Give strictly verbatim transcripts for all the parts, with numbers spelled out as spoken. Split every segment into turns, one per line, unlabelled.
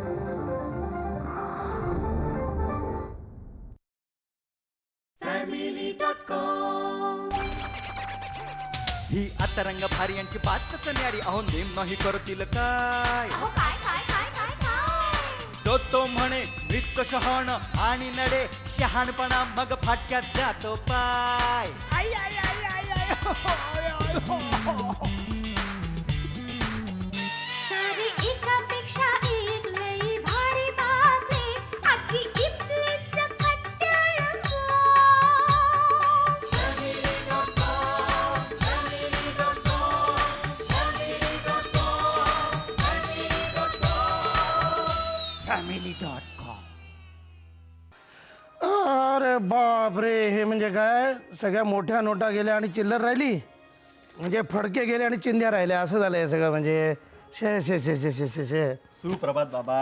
ही आता रंग भारी यांची बातच न्यारी अहो नेम नाही करतील काय
अहो काय काय काय काय काय
तो तो म्हणे मृत शहाण आणि नडे शहाणपणा मग फाटक्यात जातो पाय आई, आई, आई, आई, आई, हो, हो, आय, आय, हो, हो.
सारी एकापेक्षा एक लई भारी बातमी आजची इथली सकट रंगो.
Family dot com.
अरे बाप रे, हे म्हणजे काय, सगळ्या मोठ्या नोटा गेल्या आणि चिल्लर राहिली, म्हणजे फडके गेले आणि चिंध्या राहिल्या, असं झालं हे सगळं. म्हणजे शे शे शे शे शे शे शे
सुप्रभात बाबा.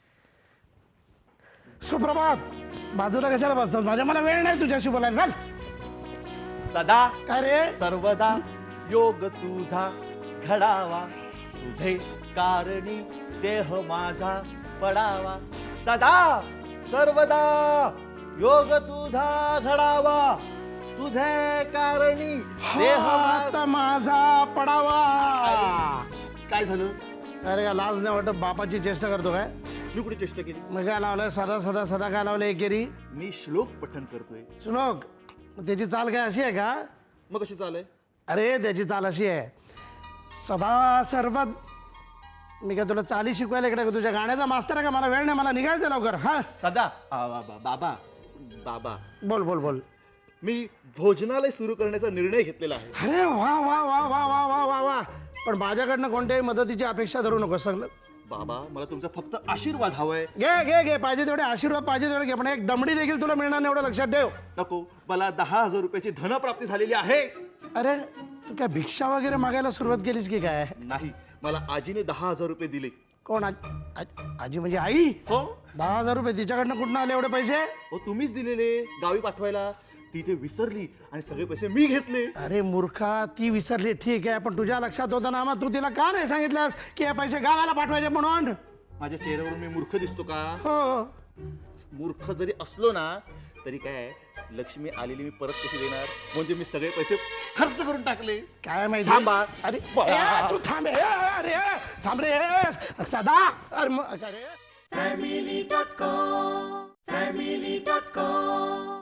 सुप्रभात. बाजूला कशाला बसतात माझ्या, मला वेळ नाही तुझ्याशी बोलायला. चाल.
सदा
काय रे,
सर्वदा योग तुझा घडावा तुझे कारणी देह माझा पडावा सदा सर्वदा योग तुझा घडावा तुझे कारणी देह
हात
मा-
माझा पडावा.
काय झालं?
अरे का लाज नाही वाटत, बापाची चेष्टा करतो काय?
मी कुठे चेष्टा केली?
मग काय लावलंय, सदा सदा सदा काय लावलंय एकेरी?
मी श्लोक पठण करतोय.
श्लोक. त्याची चाल काय अशी आहे का?
मग कशी चालय?
अरे त्याची चाल अशी आहे, सदा सर्व. मी काय तुला चाली शिकवायला इकडे का? तुझ्या गाण्याचा मास्तर आहे का? मला वेळ नाही, मला निघायचं लवकर. हा
सदा आ, बाबा बाबा बाबा
बोल बोल बोल.
मी भोजनालय सुरू करण्याचा निर्णय घेतलेला आहे.
अरे वा वा वा वा वा वा वा वा. पण माझ्याकडनं कोणत्याही मदतीची अपेक्षा धरू नकोस सगळं.
बाबा मला तुमचा फक्त आशीर्वाद हवाय.
घे घे घे, पाहिजे तेवढे आशीर्वाद पाहिजे तेवढे घे, पण एक दमडी देखील तुला मिळणार नाही एवढं लक्षात ठेव.
नको, मला दहा हजार रुपयाची धनप्राप्ती झालेली आहे.
अरे तू काय भिक्षा वगैरे मागायला सुरुवात केलीस की काय?
नाही, मला आजीने दहा हजार रुपये दिले.
कोण? आज- आज- आजी म्हणजे आई?
हो
दहा हजार रुपये तिच्याकडनं कुठनं आले एवढे पैसे?
हो तुम्हीच दिलेले गावी पाठवायला. ती ते विसरली आणि सगळे पैसे मी घेतले.
अरे मूर्खा, ती विसरली ठीक आहे, पण तुझ्या लक्षात होतं ना, मग तू तिला का नाही सांगितलंस की हे पैसे गावाला पाठवायचे म्हणून?
माझ्या चेहऱ्यावरून मी मूर्ख दिसतो का?
हो.
मूर्ख जरी असलो ना तरी काय, लक्ष्मी आलेली मी परत कशी देणार? म्हणजे मी सगळे पैसे खर्च करून टाकले.
काय माहिती?
थांबा.
अरे
बा-
ए, तू थांब. ए, अरे थांब रे सदा. अरे मग काय रे?
Family dot com family dot com.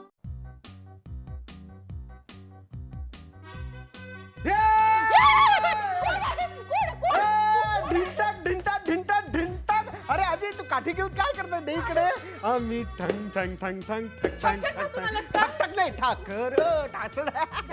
ढिंटाक ढिंटाक ढिंटाक ढिंटाक. अरे अजय, तू काठी घेऊन काय करतोय? दे इकडे. आम्ही ठंग ठंग ठंग ठंग ठंग ठंग ठंग ठंग ठक टाकले ठाकर ठासड.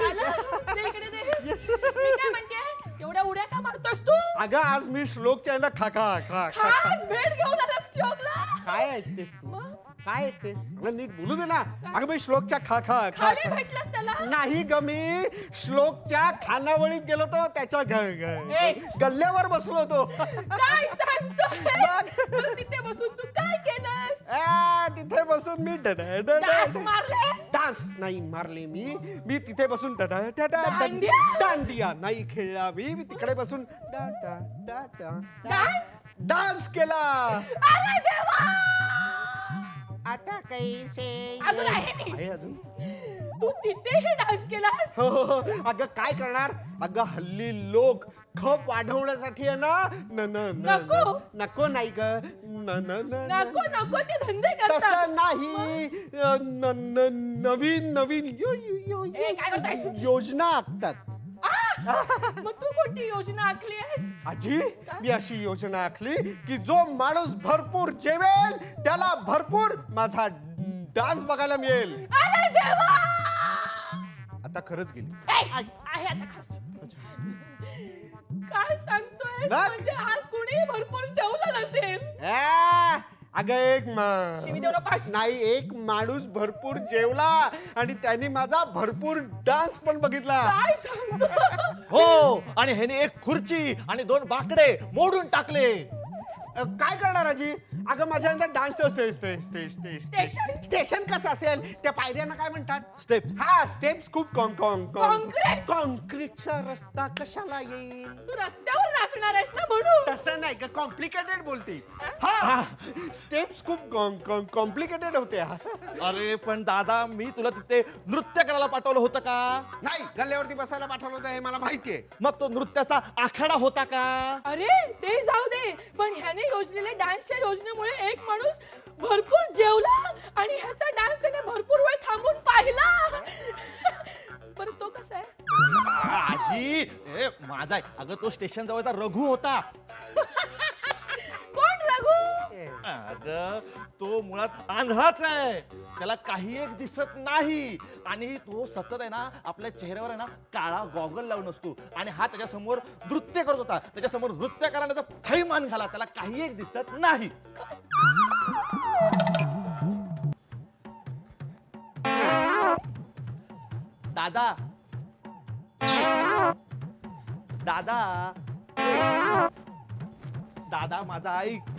काय म्हणते, एवढ्या उड्या का मारतोस तू?
अगं आज मी श्लोकच्या याला खा खा खा खा खा.
आज भेट घेऊन आलास श्लोकला.
काय ऐकतेस तू?
मग?
काय ऐकतेस? अगं नीट बोलू दे ना. अगं मी श्लोकच्या खा खा खा
खाली
खा.
भेटलास त्याला?
नाही ग, मी श्लोकच्या खानावळीत गेलो तो, त्याच्या ग-
ए.
ग- गल्ल्यावर बसलो होतो.
काय सांगतोय? बरं, तिथे बसून तू काय केलंस?
आ, तिथे बसून मी डड- डड-
डास मारले?
डान्स नाही मारले मी मी तिथे बसून डड- डड- डड-
दांडिया?
दांडिया नाही खेळला मी मी तिकडे बसून डा- डा- डा- डा-
डान्स?
डान्स केला.
अरे देवा,
आता कैसे
अजून आहे नी?
आहे अजून.
तू तिथेही डान्स केलास?
हो हो, हो. अगं काय करणार, अगं हल्ली लोक खप वाढवण्यासाठी आहे ना न न न-
नको.
न- नको नाही ग न न न- न
नको नको, ते धंदे करतात.
तसं नाही. अ, न- न- नवीन नवीन यो- यो- यो-
ए, काय करतायस?
योजना आखतात.
आ, मग तू कोणती योजना आखली आहेस?
आजी, मी अशी योजना आखली की जो माणूस भरपूर जेवेल त्याला भरपूर माझा डान्स बघायला मिळेल.
अरे देवा,
आता खरंच गेली.
ए, आहे आता खर्च. काय सांगतोय?
बघ.
म्हणजे आज कुणी भरपूर जेवलं नसेल.
आ, अगं एक
शिवी
मा
देऊ नकोस.
नाही, एक माणूस भरपूर जेवला आणि त्यांनी माझा भरपूर डान्स पण बघितला.
काय सांगतो?
हो, आणि ह्याने एक खुर्ची आणि दोन बाकडे मोडून टाकले.
अ, काय करणार आजी? अगं माझ्या dance stage stage stage stage
Station?
Station कसं असेल? त्या पायऱ्यांना काय म्हणतात?
स्टेप्स.
हा स्टेप्स खूप कॉन कॉन
Concrete?
कॉन्क्रीटचा रस्ता कशाला येईल?
तू रस्त्यावर नाचणार आहेस ना म्हणून.
तसं नाही का, कॉम्प्लिकेटेड बोलते. हा स्टेप्स खूप कॉम्प्लिकेटेड होत्या.
अरे पण दादा, मी तुला तिथे नृत्य करायला पाठवलं होतं का?
नाही, गल्ल्यावरती बसायला पाठवलं होतं हे मला माहितीये.
मग तो नृत्याचा आखाडा होता का?
अरे ते जाऊ दे, पण ह्याने योजलेल्या डान्सच्या योजनेमुळे एक माणूस भरपूर जेवला आणि ह्याचा डान्स त्याने भरपूर वेळ थांबून पाहिला. बरं तो कसा आहे?
आजी, ए माझा आहे. अगं तो स्टेशन जवळचा रघु होता.
कोण रघु?
अगं तो मुळात आंधळाच आहे. त्याला काही एक दिसत नाही आणि तो सतत आहे ना आपल्या चेहऱ्यावर आहे ना काळा गॉगल लावून असतो आणि हा त्याच्या समोर नृत्य करत होता. त्याच्या समोर नृत्य करण्याचा थैमान घाला, त्याला काही एक दिसत नाही. दादा दादा दादा माझा ऐक.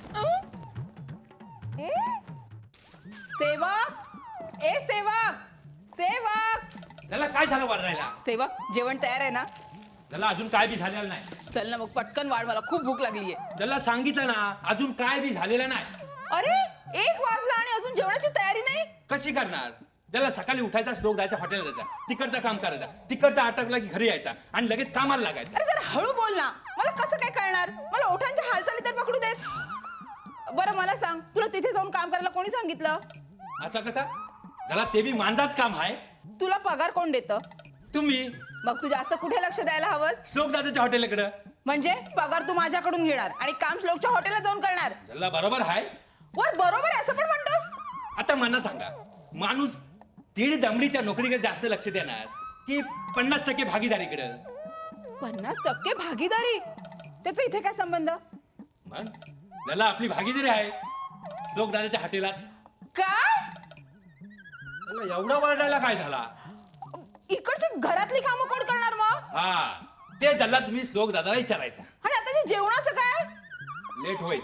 सेवक ए सेवक सेवक
त्याला काय झालं वाढायला?
सेवक जेवण तयार आहे ना?
त्याला अजून काय बी झालेलं नाही.
चल ना मग पटकन वाढ, मला खूप भूक लागली आहे.
त्याला सांगितलं ना अजून काय बी झालेलं नाही.
अरे एक वाजला आणि अजून जेवणाची तयारी नाही?
कशी करणार? त्याला सकाळी उठायचा, श्लोक जायचा, हॉटेल जायचा, तिकडचं काम करायचा, तिकडचा आटकला की घरी यायचा आणि लगेच कामाला लागायचं.
अरे जरा हळू बोल ना, मला कसं काय कळणार? मला ओठांच्या हालचाली तर पकडू देत. बरं मला सांग, तुला तिथे जाऊन काम करायला कोणी सांगितलं?
असं कसा? त्याला ते बी मांजाच काम आहे.
तुला पगार कोण देतं?
तुम्ही
मग तू जास्त कुठे लक्ष द्यायला हवंस?
श्लोक दादाच्या हॉटेलकडं.
म्हणजे पगार तू माझ्याकडून घेणार आणि काम श्लोकच्या हॉटेलला जाऊन करणार?
त्याला बरोबर आहे.
वर बरोबर आहे असं पण म्हणतोस?
आता मला सांगा, माणूस दीड दमडीच्या नोकरीकडे जास्त लक्ष देणार की पन्नास टक्के भागीदारीकडे?
पन्नास टक्के भागीदारी? त्याचा इथे काय संबंध?
मग त्याला आपली भागीदारी आहे श्लोक दादाच्या हॉटेलात.
काय?
त्याला एवढा वरडायला काय झाला?
इकडची घरातली कामं कोण करणार मग?
हा ते झाला, तुम्ही श्लोक दादाला विचारायचा.
आणि आता जे जेवणाचं काय?
लेट होईल.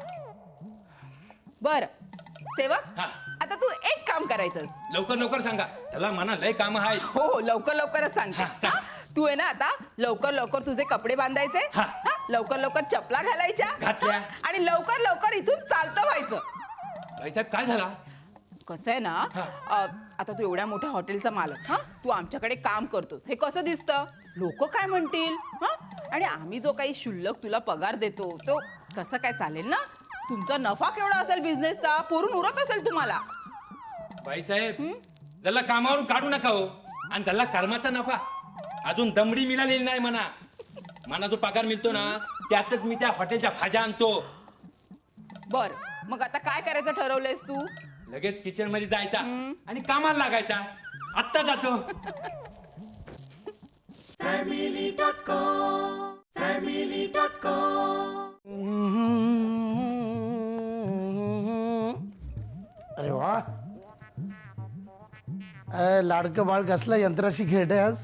बर सेवक,
हा.
आता तू एक काम करायचंस.
लवकर लवकर सांगा, चला मना लय काम आहे.
हो हो लवकर लवकरच सांगते.
हा, सांग.
हा? तू आहे ना आता लवकर लवकर तुझे कपडे बांधायचे,
हा.
हा? लवकर लवकर चपला घालायच्या,
घातल्या.
हा? आणि लवकर लवकर इथून चालतं व्हायचं.
भाईसाहेब काय झाला?
कसं आहे ना,
हा.
अ, आता तू एवढ्या मोठ्या हॉटेलचा मालक, हा तू आमच्याकडे काम करतोस, हे कसं दिसतं? लोक काय म्हणतील? हा आणि आम्ही जो काही शुल्लक तुला पगार देतो तो कसं काय चालेल ना? तुमचा नफा केवढा असेल बिझनेसचा? पुरून उरत असेल तुम्हाला?
भाईसाहेब जल्ला कामावरून काढू नका हो. आणि जल्ला कर्माचा नफा अजून दमडी मिळालेली नाही म्हणा. मला जो पगार मिळतो ना त्यातच मी त्या हॉटेलच्या भाज्या आणतो.
बर मग आता काय करायचं ठरवलंयस तू?
लगेच किचन मध्ये जायचा आणि कामाला लागायचा. आत्ता जातो.
अरे वा, अय, लाडकं बाळ कसलं यंत्राशी खेळतंय आज.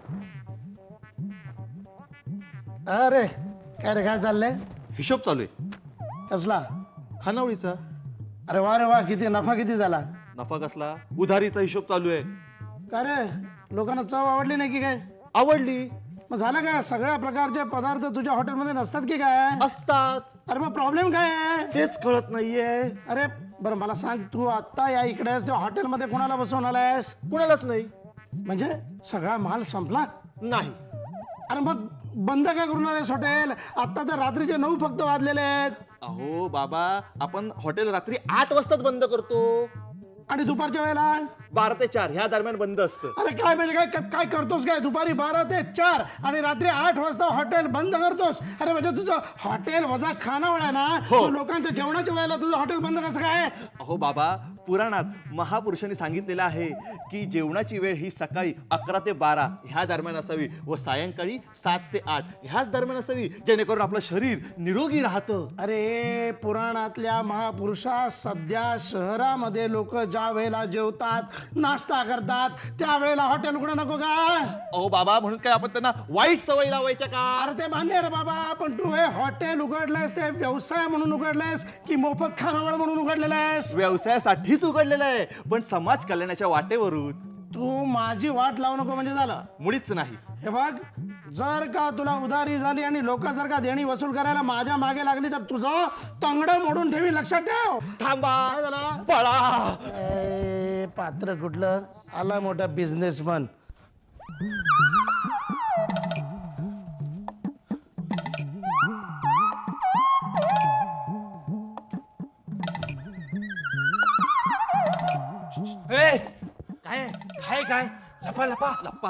अरे काय रे, काय चाललंय?
हिशोब चालू आहे
कसला?
खानावळीचा.
अरे वा रे वा, किती नफा किती झाला?
नफा कसला? उधारीचा हिशोब चालू आहे.
का रे, लोकांना चव आवडली नाही की काय?
आवडली
मग झालं काय, सगळ्या प्रकारचे पदार्थ तुझ्या हॉटेलमध्ये नसतात की काय?
असतात,
अरे मग प्रॉब्लेम काय आहे?
तेच कळत नाहीये.
अरे बरं मला सांग, तू आत्ता या इकडे आहेस, त्या हॉटेलमध्ये कोणाला बसवून आलायस?
कुणालाच नाही.
म्हणजे सगळा माल संपला?
नाही.
अरे मग बंद काय करून आलायस हॉटेल? आत्ता तर रात्रीचे नऊ फक्त वाजलेले आहेत.
अहो बाबा, आपण हॉटेल रात्री आठ वाजताच बंद करतो
आणि दुपारच्या वेळेला
बारा ते चार ह्या दरम्यान बंद असतं.
अरे काय म्हणजे काय काय- काय करतोस काय? दुपारी बारा ते चार आणि रात्री आठ वाजता हॉटेल बंद करतोस? अरे म्हणजे तुझं हॉटेल वजा खानावळ आहे ना?
हो.
तू लोकांच्या जेवणाच्या वेळेला तुझं हॉटेल बंद कसं काय?
अहो बाबा, पुराणात महापुरुषांनी सांगितलेलं आहे की जेवणाची वेळ ही सकाळी अकरा ते बारा ह्या दरम्यान असावी व सायंकाळी सात ते आठ ह्याच दरम्यान असावी, जेणेकरून आपलं शरीर निरोगी राहतं.
अरे पुराणातल्या महापुरुषा सध्या शहरामध्ये लोक ज्या वेळेला जेवतात नाश्ता करतात त्यावेळेला हॉटेल उघडं नको का?
अहो बाबा, म्हणून काय आपण त्यांना वाईट सवय लावायच्या का?
अरे ते मान्य रे बाबा, पण तू हे हॉटेल उघडलंयस ते व्यवसाय म्हणून उघडलंयस की मोफत खानावळ म्हणून उघडलेलं आहेस?
व्यवसायासाठीच उघडलेलं आहे, पण समाज कल्याणाच्या वाटेवरून.
तू माझी वाट लावू नको म्हणजे झालं.
मुळीच नाही.
हे बघ, जर का तुला उधारी झाली आणि लोक जर का देणी वसूल करायला माझ्या मागे लागली तर तुझं तंगड मोडून ठेवी, लक्षात ठेव.
थांबा,
काय झालं?
पळा.
ए, पात्र कुठलं आला मोठा बिझनेसमन.
ए,
काय
काय काय लपा लपा
लप्पा?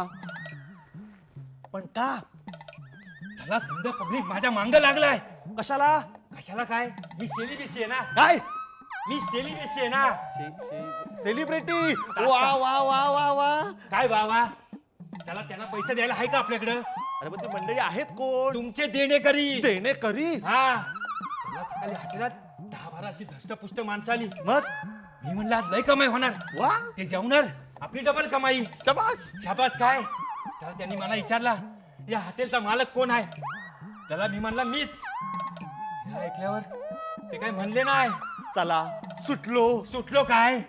पण का?
चला समजा पब्लिक माझ्या मांग लागलाय.
कशाला?
कशाला काय? मी सेलिब्रेसी आहे ना.
काय?
मी सेलिब्रेसी आहे ना.
सेलिब्रिटी? वा वा वा वा वा.
काय बाबा, चला त्यांना पैसे द्यायला आहे का आपल्याकडं?
अरे पण ती मंडळी आहेत कोण?
तुमचे देणेकरी.
देणे करी.
हा, चला सकाळी हॉटेलात दहा बारा अशी धष्टपुष्ट माणसं आली.
मग
मी म्हणलं आज लय कमाई होणार.
वा,
ते जेवणार, आपली डबल कमाई.
शाबास.
शाबास काय. चला त्यांनी मला विचारला या हॉटेलचा मालक कोण आहे. चला मी म्हणला मीच. हे ऐकल्यावर ते काय म्हणले नाही.
चला सुटलो.
सुटलो काय,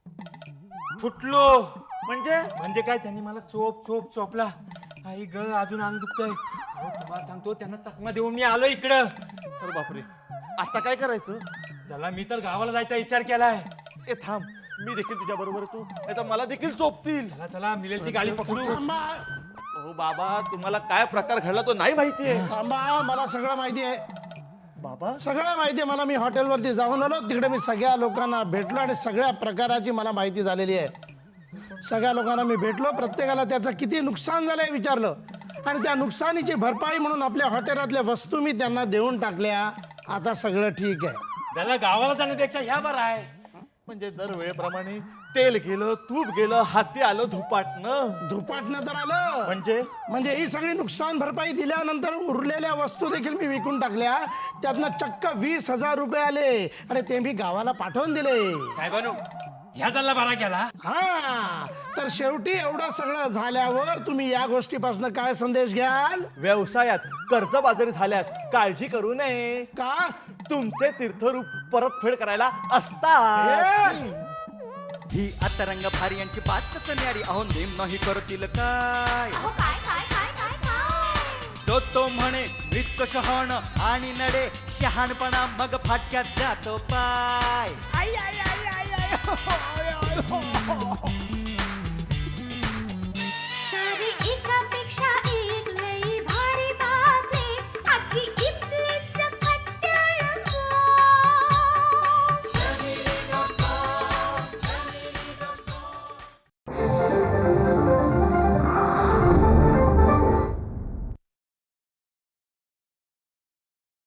फुटलो.
म्हणजे
म्हणजे काय, त्यांनी मला चोप चोप चोपला. आई ग, अजून अंग दुखतंय. अहो, तुम्हाला सांगतो त्यांना चकमा देऊन मी आलो इकडं.
अरे बापरे, आता काय करायचं?
चला मी तर गावाला जायचा विचार केलाय.
ए थांब, मी देखील तुझ्या बरोबर तू, नाही तर मला देखील चोपतील.
चला चला मिळेल ती गाडी पकडू.
थांबा,
हो बाबा, तुम्हाला काय प्रकार घडला तो नाही माहितीये.
थांबा, मला सगळं माहिती आहे.
बाबा
सगळं माहिती आहे मला. मी हॉटेलवरती जाऊन आलो, तिकडे मी सगळ्या लोकांना भेटलो आणि सगळ्या प्रकाराची मला माहिती झालेली आहे. सगळ्या लोकांना मी भेटलो, प्रत्येकाला त्याचं किती नुकसान झालंय विचारलं आणि त्या नुकसानीची भरपाई म्हणून आपल्या हॉटेलातल्या वस्तू मी त्यांना देऊन टाकल्या. आता सगळं ठीक आहे.
चला गावाला जाण्यापेक्षा ह्या बरं आहे.
म्हणजे दरवेळेप्रमाणे तेल गेलं, तूप गेलं, हाती आलं धुपाटणं.
धुपाटणं तर आलं
म्हणजे
म्हणजे ही सगळी नुकसान भरपाई दिल्यानंतर उरलेल्या वस्तू देखील मी विकून टाकल्या. त्यातनं चक्क वीस हजार रुपये आले आणि ते मी गावाला पाठवून दिले.
साहेबांनो, ह्या जल्ला बारा केला.
हा, तर शेवटी एवढं सगळं झाल्यावर तुम्ही या गोष्टीपासून काय संदेश घ्याल?
व्यवसायात कर्जबाजारी झाल्यास काळजी करू नये.
का?
तुमचे तीर्थरूप परतफेड करायला असतात.
ही आता रंग भारी यांची बातच न्यारी. अहो नेम नाही करतील काय.
अहो काय काय काय काय काय
तो तो म्हणे मृत शहाण आणि नडे शहाणपणा मग फाटक्यात जातो पाय. आई, आई, आई, आई, आई, हो, हो, हो, हो.